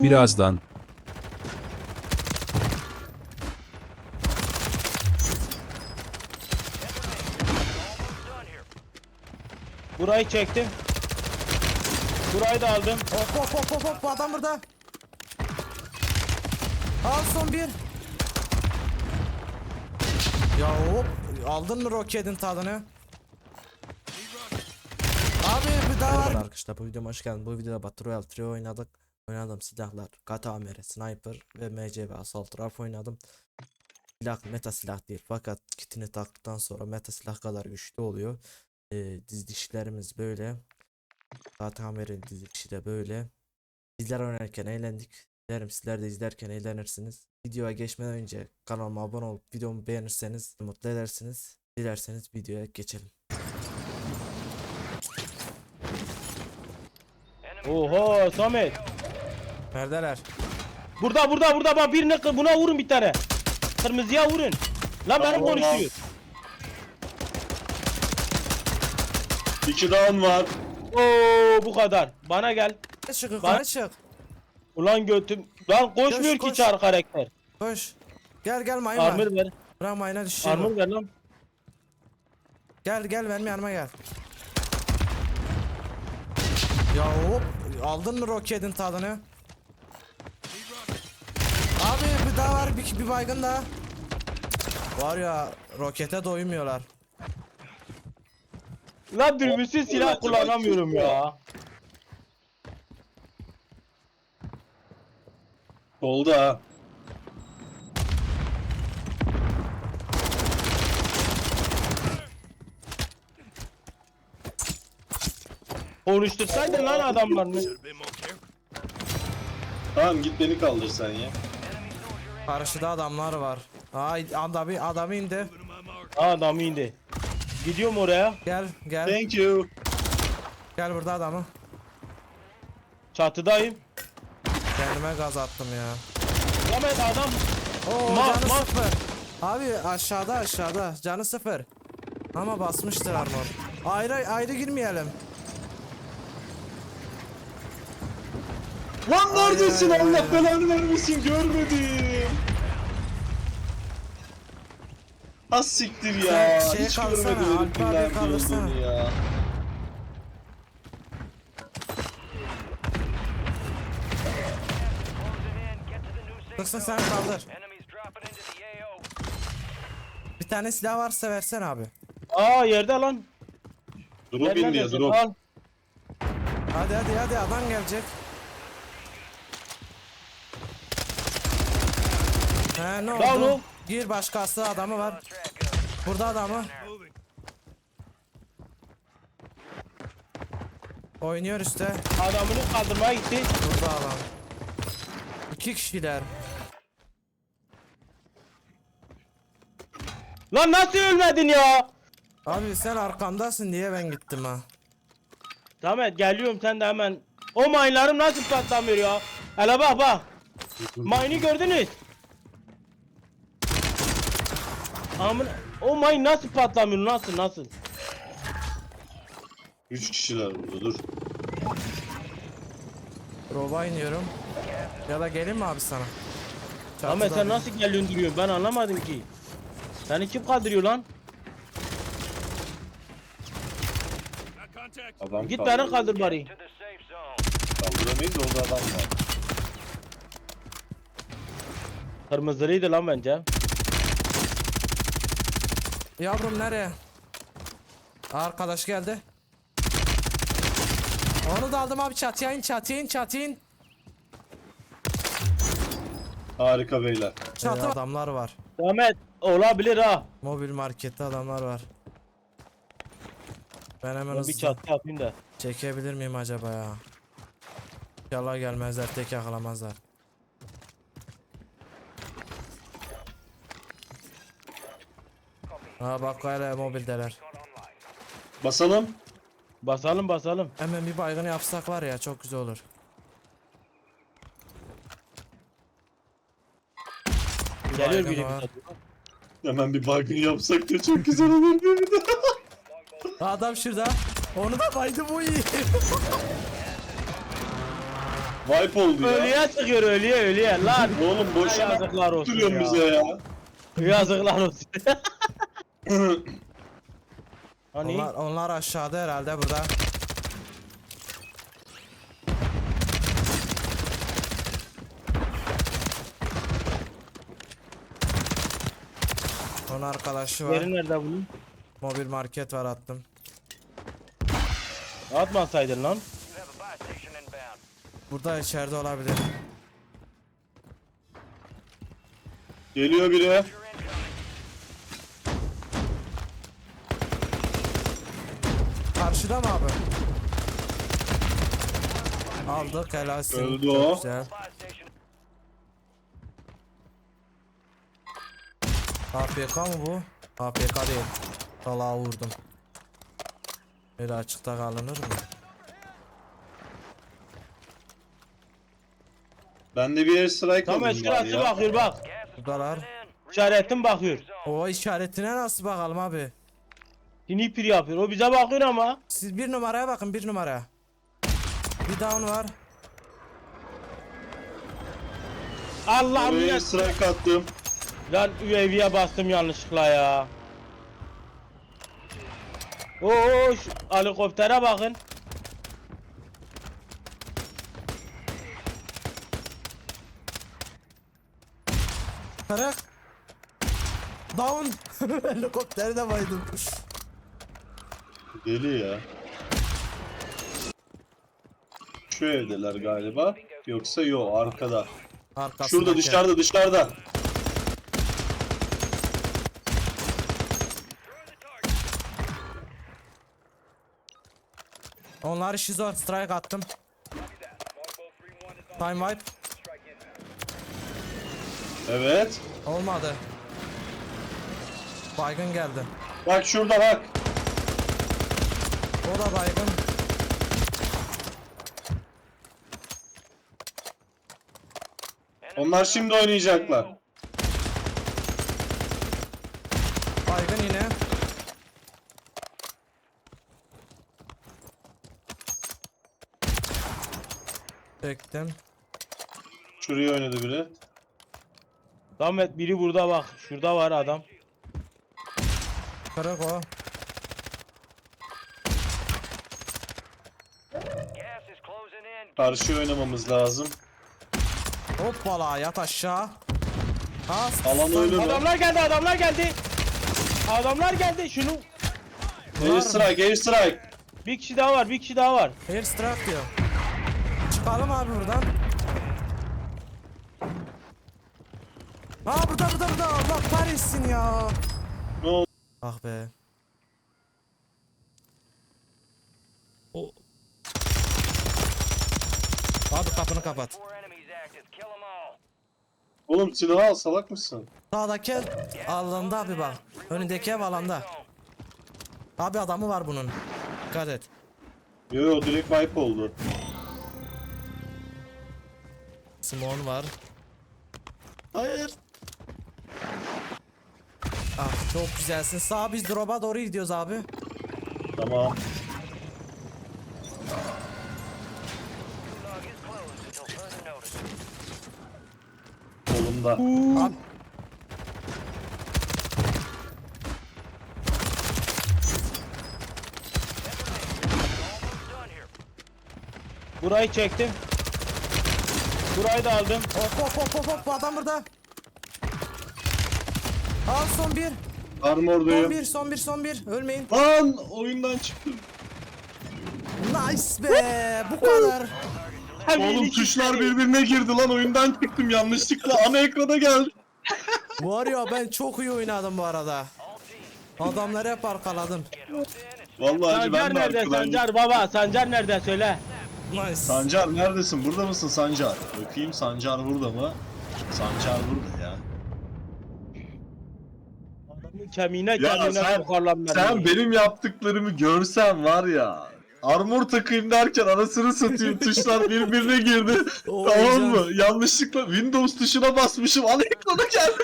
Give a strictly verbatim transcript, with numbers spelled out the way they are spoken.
Birazdan. Burayı çektim. Burayı da aldım. Hop hop hop hop hop, bu adam burada. Al son bir. Ya hop, aldın mı roketin tadını? Abi bir daha var. Arkadaşlar bu videoma hoş geldin. Bu videoda Battle Royale üç oynadık. Oynadım silahlar Katamere, Sniper ve M C ve Assault Rifle oynadım. Silah meta silah değil fakat kitini taktıktan sonra meta silah kadar güçlü oluyor. Ee, dizilişlerimiz böyle. Katamere'nin dizilişi de böyle. Bizler oynarken eğlendik. Dilerim sizler de izlerken eğlenirsiniz. Videoya geçmeden önce kanalıma abone olup videomu beğenirseniz mutlu edersiniz. Dilerseniz videoya geçelim. Oho Samet. Neredeler? Burada burada burada bak birine kı- buna vurun bir tane. Kırmızıya vurun. Lan benim konuşuyor. İki down var. Oo bu kadar. Bana gel. Çık yukarı Bak. çık. Ulan götüm. Lan koşmuyor Koş, ki koş. çar karakter. Koş. Gel gel mayın var. Armor ver. Bırak mayına düşecek. Armor ver lan. Gel gel benim yanıma gel. Ya hop, aldın mı roketin tadını? Abi bir daha var, bir, bir baygın daha. Var ya, rokete doymuyorlar. Lan dürbünsüz silah kullanamıyorum ya. Oldu ha. Konuştursaydın lan adamlarını. Tamam git beni kaldır sen ya. Karşıda adamlar var. Ay adamı adamı indi. Adam indi. Gidiyorum oraya. Gel gel Thank you. gel burada adamı. Çatıdayım. Kendime gaz attım ya. Samet adam. Oo Ma- canı ma- sıfır. Abi aşağıda aşağıda canı sıfır. Ama basmıştır armor. Ayrı ayrı girmeyelim. Lan neredesin ay, ay, Allah ay. belanı vermesin görmedim. Az siktir ya. Sen şeye Hiç kalsana, görmedim Alp herifin abi nerede kaldırsana. olduğunu ya. Kırsın sen kaldır. Bir tane silah varsa versen abi. Aa yerde lan. Drop Gel indi ya neredesin? drop. Al. Hadi hadi hadi adam gelecek. He ne Lan oldu? o. Gir başkası adamı var. Burada adamı. Oynuyor işte. Adamını kaldırmaya gitti. Burada adam. İki kişiler. Lan nasıl ölmedin ya? Abi sen arkamdasın diye ben gittim ha. Samet geliyorum sen de hemen. O mayınlarım nasıl patlamıyor ya? Hele bak bak. Mayını gördünüz. Amına o mayın nasıl patlamıyor nasıl nasıl? Üç kişiler burada dur. Roba iniyorum. Ya da gelin mi abi sana? Samet Çatıda sen bir- nasıl geliyorsun duruyorsun ben anlamadım ki. Seni kim kaldırıyor lan? Adam Git kaldır- beni kaldır bari. Kaldıramayız orada adam var. Kırmızılıydı lan bence. Yavrum nereye? Arkadaş geldi. Onu da aldım abi, çatıya in çatıya in çatıya in. Harika beyler. Çatı adamlar var. Samet olabilir ha. Mobil markette adamlar var. Ben hemen Ben bir hızlı çatı yapayım da. çekebilir miyim acaba ya? İnşallah gelmezler, tek yakalamazlar. Ha bak hala mobildeler. Basalım. Basalım basalım. Hemen bir baygın yapsak var ya, çok güzel olur. Geliyor baygın biri var. bir Hemen bir baygın yapsak da çok güzel olur değil mi? Adam şurada. Onu da baydı bu iyi. Wipe oldu ya. Ölüye çıkıyor ölüye ölüye lan. Oğlum boşuna Yazıklar olsun tutuyorsun ya. bize ya. Yazıklar olsun. Hani Onlar, onlar aşağıda herhalde burada. Onun arkadaşı var. yeri nerede bunun? Mobil market var, attım. Atmasaydın lan. Burada içeride olabilir. Geliyor biri. Karşıda mı abi? Aldık, helalsin. Öldü Çok o. Güzel. A F K mı bu? A F K değil. Salağa vurdum. Böyle açıkta kalınır mı? Ben de bir air strike Tamam alayım bari şurası ya. bakıyor bak. Buradalar. İşaretim bakıyor. O işaretine nasıl bakalım abi? Sniper yapıyor. O bize bakıyor ama. Siz bir numaraya bakın, bir numaraya. Bir down var. Allah'ım Oraya ya. air strike attım. Lan U A V'ye bastım yanlışlıkla ya. Oo şu helikoptere bakın. Kırık. Down. Helikopteri de baydım. Deli ya. Şu evdeler galiba. Yoksa yo arkada. Arkasındaki. Şurada dışarıda dışarıda. Onlar şizo, strike attım. Time wipe. Evet. Olmadı. Baygın geldi. Bak şurada bak. O da baygın. Onlar şimdi oynayacaklar. Baygın yine. Çektim. Şuraya oynadı biri. Ahmet biri burada bak. Şurada var adam. Kırık o. Karşı oynamamız lazım. Hoppala, yat aşağı. Ha, Alan oyunu. Adamlar geldi adamlar geldi. Adamlar geldi şunu. Air strike, air strike. Bir kişi daha var bir kişi daha var. Air strike diyor. Çıkalım abi buradan. Ha burada burada burada, Allah kahretsin ya. Ne oldu? Ah be. O. Abi kapını kapat. Oğlum silahı al, salak mısın? Sağdaki ev alanda abi bak. Önündeki ev alanda. Abi adamı var bunun. Dikkat et. Yo yo direkt wipe oldu. Simon var. Hayır. Ah çok güzelsin. Sağ, biz drop'a doğru gidiyoruz abi. Tamam. Kolumda. Abi. Burayı çektim. Burayı da aldım. Hop hop hop hop hop, adam burada. Al son bir. Son Armordayım. bir, son bir, son bir. Ölmeyin. Lan oyundan çıktım. Nice be. Bu kadar. Oğlum tuşlar birbirine girdi lan, oyundan çıktım yanlışlıkla. Ana ekrana geldi. Var ya, ben çok iyi oynadım bu arada. Adamları hep arkaladım. Vallahi Sancar ben de nerede arkadan. Sancar baba? Sancar nerede söyle. Nice. Sancar neredesin? Burada mısın Sancar? Bakayım Sancar burada mı? Sancar burada ya. Adamın kemiğine Ya kemiğine sen, sokarlar beni. sen benim yaptıklarımı görsen var ya. Armor takayım derken anasını satayım, tuşlar birbirine girdi. O Tamam heyecan. mı? Yanlışlıkla Windows tuşuna basmışım. Ana ekrana geldim.